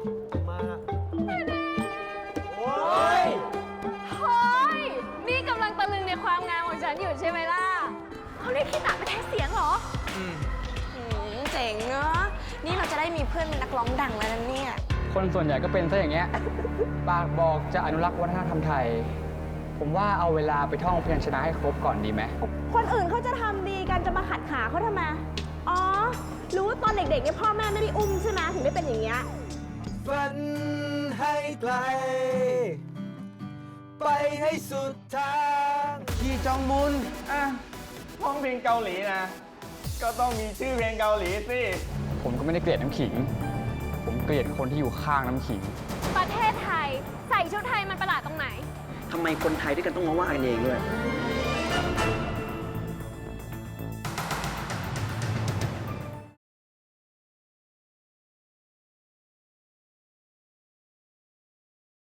มาโอ้ยเฮ้ยนี่กำลังตะลึงในความงามของฉันอยู่ใช่ไหมล่ะเขาเรียกขี้ตาไปแทนเสียงเหรอเจ๋งเนอะนี่เราจะได้มีเพื่อนเป็นนักร้องดังแล้วนะเนี่ยคนส่วนใหญ่ก็เป็นซะอย่างเงี้ย ปากบอกจะอนุรักษ์วัฒนธรรมไทย ผมว่าเอาเวลาไปท่องพยัญชนะให้ครบก่อนดีไหมคนอื่นเขาจะทำดีกันจะมาขัดขาเขาทำไม อ๋อ รู้ว่าตอนเด็กๆเนี่ยพ่อแม่ไม่ได้อุ้มใช่ไหมถึงได้เป็นอย่างเงี้ยฝันให้ไกล ไปให้สุดทางที่จองมุนอ่ะร้องเพลงเกาหลีนะ ก็ต้องมีชื่อเพลงเกาหลีสิผมก็ไม่ได้เกลียดน้ำขิง ผมเกลียดคนที่อยู่ข้างน้ำขิงประเทศไทยใส่ชุดไทยมันประหลาดตรงไหนทำไมคนไทยด้วยกันต้องมาว่ากันเองด้วย